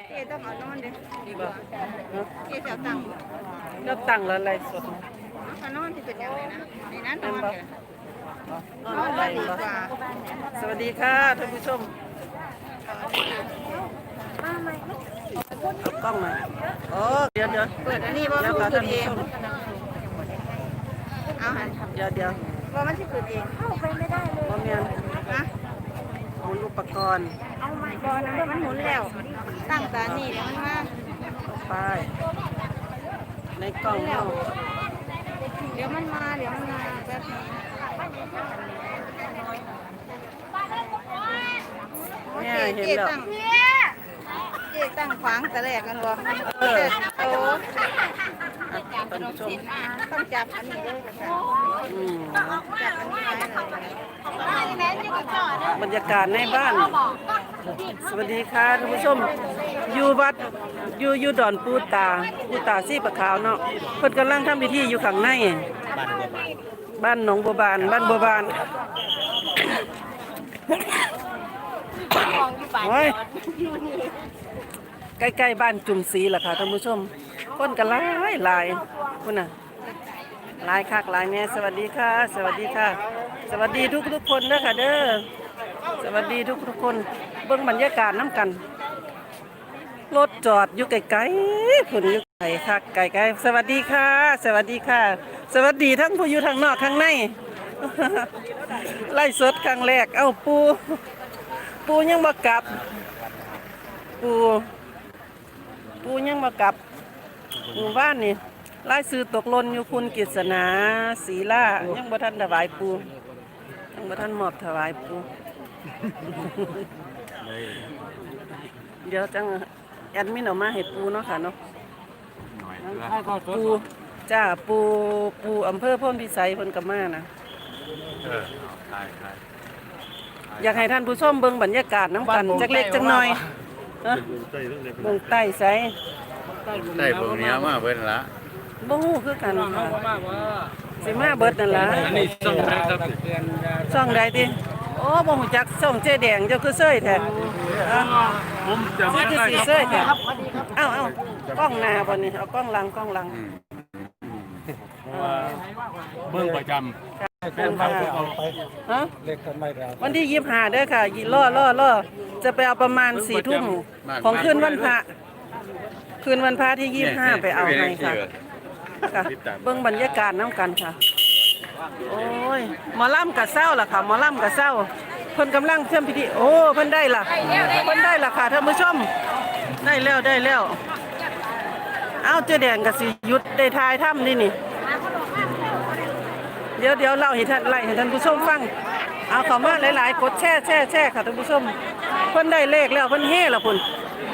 เจ๊ต้องเอานอนดิบ่เนาะเจ๊จะเอาตังค์แล้วตั้งแล้วอะไรสดเอานอนที่เป็นยังไงนะในนั้นนอนกันนอนไปบ่สวัสดีค่ะท่านผู้ชมเอากล้องมาโอ้เดี๋ยวเปิดอันนี้บ่เดี๋ยวมันค่ะคืท่านนเอผู้งชมเอาหันเดี๋ยวว่ามันจะคืนเองเข้าไปไม่ได้เลยบ่แม่นนะหมุนอุปกรณ์เอาไม่บอนะมันหมุนแล้ว ตั้งตานี่เดี๋ยวมันมาไปในกล้องเนาะเดี๋ยวมันมาแป๊บนึงแม่เห็นเจ๊แล้วตั้งขวางแต่แรกกันบ่โอ้ท่านผู้ชมต้องจับอันนี้ด้วยค่ะอืมจับอันนี้ไว้เลยบรรยากาศในบ้าน สวัสดีค่ะท่านผู้ชมอยู่วัดอยู่ดอนปูตาซี่ปะขาวเนาะเพิ่นกำลังทำพิธีอยู่ข้างในบ้านหนองบัวบานบ้านบัวบานโอ้ยใกล้ๆบ้านจุ่มศรีล่ะค่ะท่านผู้ชมคนกันหลายคุณน่ะหลายคักหลายแน่สวัสดีค่ะ สวัสดีค่ะ สวัสดีทุกคนเด้อค่ะเด้อสวัสดีทุกคนเบิ่งบรรยากาศน้ำกันรถจอดอยู่ไกลๆคุณอยู่ไกลคักไกลๆสวัสดีค่ะ สวัสดีค่ะ สวัสดีทั้งผู้อยู่ทางนอกข้างใน ไล่สดครั้งแรกเอ้าปูยังบ่กลับปูยังบ่กลับหมู่บ้านนี่ไล่ซื้อตกหล่นอยู่คุณกฤษณาศรีล่ายังบ่ทันถวายปูยังบ่ทันมอบถวายปูเดี๋ยวจังแอดมินออกมาให้ปูเนาะค่ะเนาะปูจ้าปูอำเภอโพนพิสัยเพิ่นก็มานะอยากให้ท่านผู้ชมเบิ่งบรรยากาศน้ำกันจักเล็กจักน้อยฮะเบิ่งใต้ไสได้เบิ่งเนี้ยมาเบิ่นละบ่ฮู้คือกันค่ะสิมาเบิดนั่นล่ะอันนี้ส่งได้ครับช่องใดติโอ้บ่ฮู้จักช่องเจ๊แดงเจ้าคือเซ้ยแท้ผมจะมาเบิ่งคือได้สิครับเซ้ยแท้เอ้ากล้องหน้าบ่นี่เอากล้องหลังเบิ่งประจเบิ่งค่ะฮะำเล็กกันไม่แล้ววันที่25เด้อค่ะล่อจะไปเอาประมาณ4 ทุ่มของคืนวันพระที่25ไปเอาให้ค่ะค่ะเบิ่งบรรยากาศน้ำกันค่ะโอ้ยหมอลำกับเศร้าล่ะค่ะหมอลำกับเศร้าเพิ่นกำลังเชื่อมพิธีโอ้เพิ่นได้ล่ะค่ะท่านผู้ชมได้แล้วเอ้าเจ๊แดงกับสิหยุดได้ทายถ้ำนี่เดี๋ยวเล่าให้ท่านผู้ชมฟังเอาเข้ามาหลายๆกดแช่ค่ะท่านผู้ชมเพิ่นได้เลขแล้วเพิ่นเฮ่แล้วพุ่น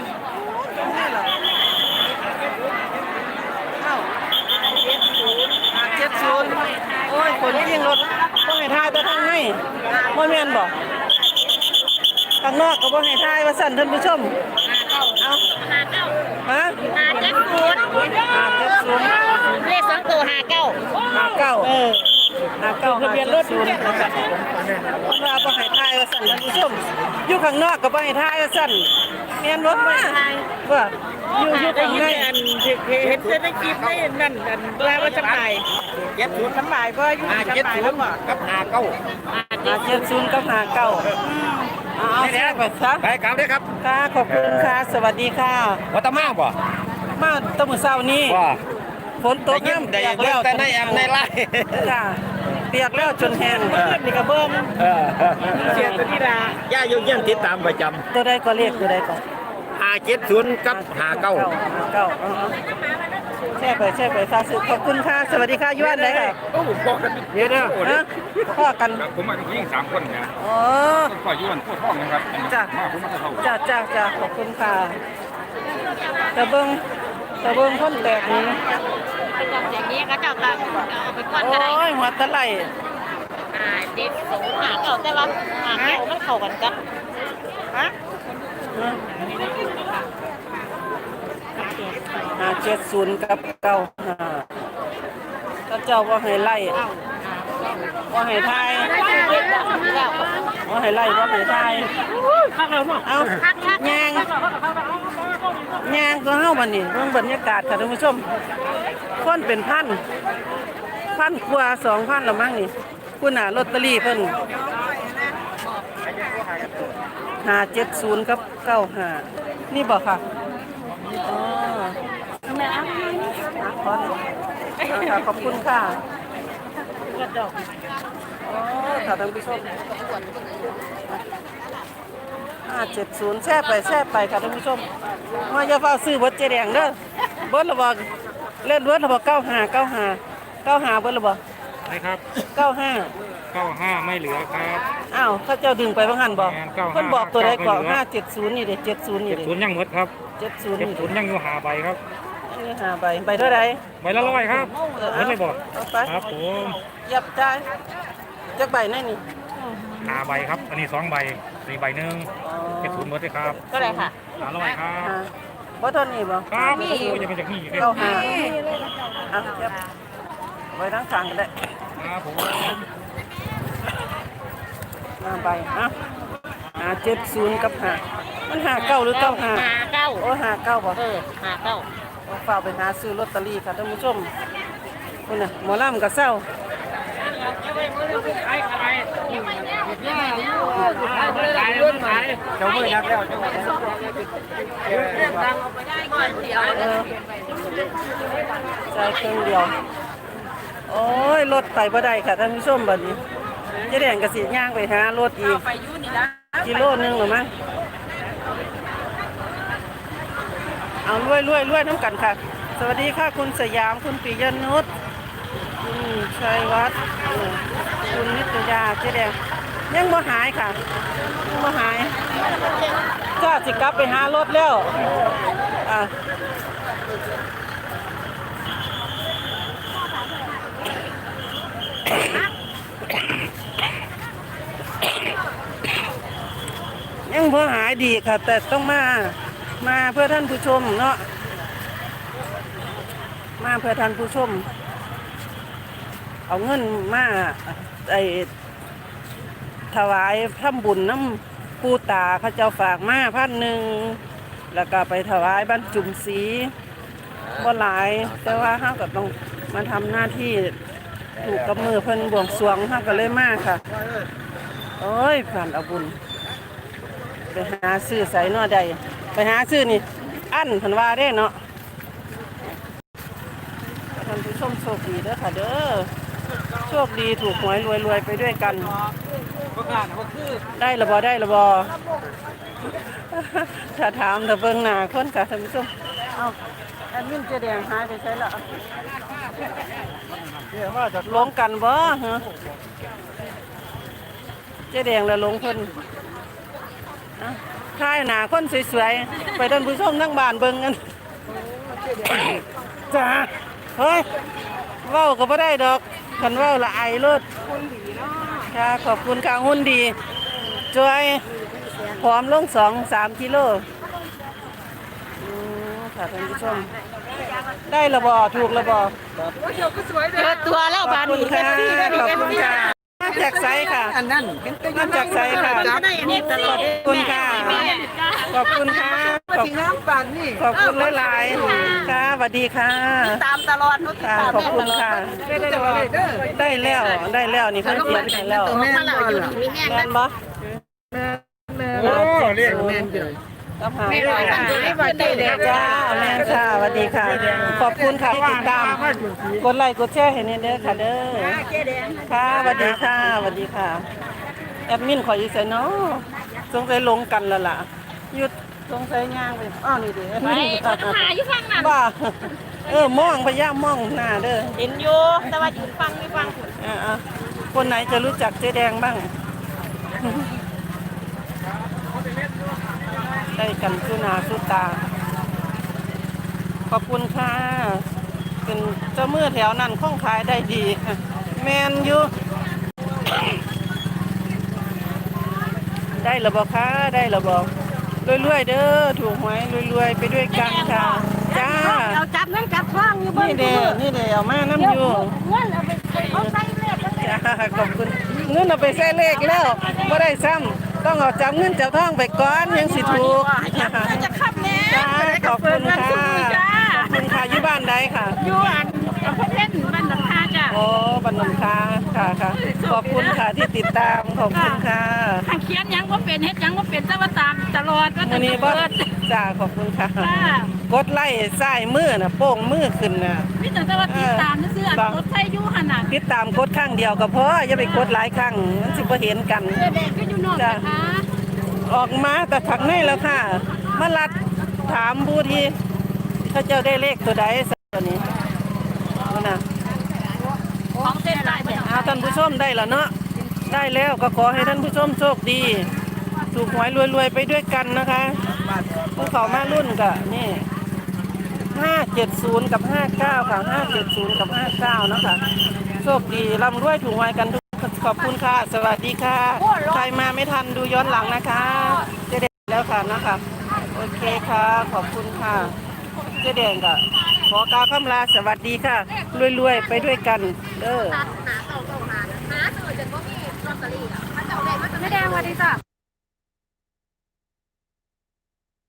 70โอ้ยคนยิงรถต้องให้ทายแต่ทางในบ่แม่นบ่ข้างนอกก็บ่ให้ทายว่าสั่นท่านผู้ชมเอาฮะเล 570 ข2ตัว59 59ทะเบียนรถว่าบ่ให้ทายว่าสั่นท่านผู้ชมอยู่ข้างนอกก็บ่ให้ทายว่าสั่นแม่นบ่ว่าอยู่ข้างในเห็นในคลิปได้นั่นแปลว่าจะไป70สบายบ่อยู่สบายแล้วบ่กับหาเก้า 70กับ59เอาแซ่ไปซะไปกลับเด้อครับค่ะขอบคุณค่ะสวัสดีค่ะวัตมาบ่มาตะมื้อเช้านี้ว่าฝนตกน้ำได้เปียกเบิ่แล้งวแต่ในแอมในไลน์จ้าเปียกแล้วจนแห้งนี่ก็เบิ่งเสียตัวนี้ล่ะย่าโยเยี่ยมติดตามประจตัวใดก็เลขตัวใดก็ำ570กับหาเก้าเก้าแช่ไปค่ะขอบคุณค่ะสวัสดีค่ะย้อนได้ค่ะโอ้บอกกันเดี๋ยวนะฮะพ่อกันผมมาที่ยิง3 คนนะอ๋อก็อยู่วันโคตรท้องนะครับจ้ะมาผมมาเท่าจ้าขอบคุณค่ะตะเบิ่งคนแตกนี้อย่างนี้ก็เจ้าก็เอาไปก่อนโอ้ก็ได้ยหัวตะไหล 70หาเก่าแต่ว่าหาเก่ามันเข้ากันกันฮะ 570กับ95ก็เจ้าว่าให้ไล่ว่าให้ทายว่าให้ไล่ว่าให้ทายเอาแยงยางก็เฮาบัดนี้เบิ่งบรรยากาศค่ะท่านผู้ชมคนเป็นพันกว่า 2,000ละมั้งนี่คุณน่ะลอตเตอรี่เพิ่น570กับ95นี่บ่ค่ะอ๋อขอบคุณค่ะอ๋อค่ะท่านผู้ชม570แช่ไปค่ะท่านผู้ชมมาอย่าเฝ้าซื้อเบิดเจ๊แดงเด้อเบิดละบ่เล่นเบิดละบ่95เบิดละบ่นะครับ 95 95ไม่เหลือครับอ้าวเขาเจ้าดึงไปบ่หันบ่แม่น95 เพิ่นบอกตัวใดก่อนไม่เหลือ 570นี่เด้70นี่เด้ 70ยังหมดครับ 70นี่เด้ 70ยังอยู่หาใบครับนี่5ใบใบเท่าใดใบละ100ครับเห็นเลยบอกเอาไปครับผมยับจ่ายจักใบแน่นี่หาใบครับ อันนี้2ใบ4ใบหนึง70หมดเลยครับก็ได้ค่ะ 100ครับอ่าบ่เท่านี้บ่ครับโอ้ยจะเป็นจากนี่เลย 95อ่ะยับไว้ทั้งข้างก็ได้ครับผม 5ใบอ่ะ570กับ5มัน59หรือ95 59 โอ้59บ่ 59 ฝากไปหาซื้อลอตเตอรี่ค่ะท่านผู้ชมคุณน่ะหมอลำกับเศร้าเจ้ามือนักแล้วเจ้ามือใจเครื่องเดียว โอ้ยรถไปบ่ได้ค่ะท่านผู้ชมบัดนี้เจะแดงกระสีย่างไปหารถอีกกิโลนึงหรือมั้งเอารวยน้ำกันค่ะ สวัสดีค่ะคุณสยามคุณปิยนุชคุณชัยวัฒน์คุณนิตยาเจ๊แดงยังบ่หายค่ะยังบ่หายก็สิกลับไปหารถแล้วอ่ะยังบ่หายดีค่ะ แต่ต้องมาเพื่อท่านผู้ชมเนาะมาเพื่อท่านผู้ชมเอาเงินมาไอถวายทำบุญน้ำปูตาเขาเจ้าฝากมา1,000แล้วก็ไปถวายบรรจุมศรีบ่หลายแต่ว่าเฮาก็ต้องมาทำหน้าที่ถูกกับมือเพิ่นบวงสรวงเฮาก็เลยมาค่ะโอ้ยผ่านเอาบุญไปหาซื้อใส่นอใดไปหาซื้อนี่อันเพิ่นว่าได้เนาะท่านผู้ชมโชคดีเด้อค่ะเด้อโชคดีถูกหวยรวยไปด้วยกันได้ละบ่ถ้าถามถ้าเบิ่งหน้าคนค่ะท่านผู้ชมเอาแอดมินเจ๊แดงหายไปใช่ละลงกันบ่ฮะเจ๊แดงแล้วลงเพิ่นถ่ายหน้าคนสวยๆไปท่านผู้ชมทั้งบ้านเบิ่งกันจ้าเฮ้ยเว้าก็บ่ได้ดอกคันเว้าละอายโลดค่ะขอบคุณค่ะหุ่นดีช่วยผอมลง2-3 กิโลค่ะท่านผู้ชมได้ระบอถูกระบอเปิดตัวแล้วขบาอบดคุณนี้ค่ะขขออบบคุณค่ะมาจากไซค่ะมาจากไซค่ะนี่ตลอดขอบคุณค่ะขอบคุณค่ะขอบคุณหลายๆค่ะสวัสดีค่ะตามตลอดค่ะขอบคุณค่ะได้แล้วนี่เพิ่นเขียนให้แล้วมาแล้วอยู่มีแห้งแม่นบ่โอ้เรียกก็หาจ้าแม่ค่ะสวัสดีค่ะ ขอบคุณค่ะที่ติดตามกดไลค์กดแชร์ให้เด้อค่ะเด้อค่ะสวัสดีค่ะสวัสดีค่ะแอดมินขออยู่ไสเนาะสงสัยลงกันแล้วล่ะหยุดสงสัยย่างไปอ้าวนี่ดิไปหาอยู่ฟังนั่นบ้ามองพยายามมองหน้าเด้อเห็นอยู่แต่ว่าอยู่ฟังไม่ฟังคนไหนจะรู้จักเจ๊แดงบ้างได้กันสุนาสุตาขอบคุณค่ะเป็นเจ้ามือแถวนั้นคล่องขายได้ดีแมนอยู่ได้ระบอกค่ะได้ระบอกรวยๆเด้อถูกหวยรวยๆไปด้วยกันค่ะจ้าเราจับนั่งจับท้องอยู่บนนี่เด้เอามาน้ำอยู่เงินเอาไปเอาใส่เลขจ้าขอบคุณเงินเอาไปใส่เลขแล้วไม่ได้ซ้ำต้องเอาจับเงินจับทองไปก่อนยังสิถูกจะขับแน่จ้าขอบคุณค่ะค่ะขอบคุณค่ะที่ติดตามขอบคุณค่ะทางเขียนยังว่าเป็นเฮ็ดยังว่าเป็นแต่ว่าตามตลอดว่ามื้อนี้บ่จ้าขอบคุณค่ะ กดไล่ซ้ายมือน่ะโป้งมือขึ้นน่ะมีแต่ว่าติดตามซื่อๆรถไฟอยู่หั่นน่ะติดตามกดข้างเดียวก็พออย่าไปกดหลายครั้งมันสิบ่เห็นกันเด็กก็อยู่นอกนะคะออกมาแต่ถักในแล้วค่ะ มาลัดถามผู้ที่เขาเจ้าได้เลขตัวใดสักตัวนี้เอานะของเส้นได้บ่เอาท่านผู้ชมได้แล้วเนาะได้แล้วก็ขอให้ท่านผู้ชมโชคดีถูกหวยรวยๆไปด้วยกันนะคะผู้เขามารุ่นก็นี่570กับ59ค่ะ570กับ59นะคะโชคดีร่ำรวยถูกหวยกันทุกขอบคุณค่ะสวัสดีค่ะใครมาไม่ทันดูย้อนหลังนะคะเจ๊แดงแล้วค่ะนะคะโอเคค่ะขอบคุณค่ะเจ๊แดงก็ขอกล่าวคำลาสวัสดีค่ะรวยๆไปด้วยกันเด้อไม่แดงสวัสดีจ้ะ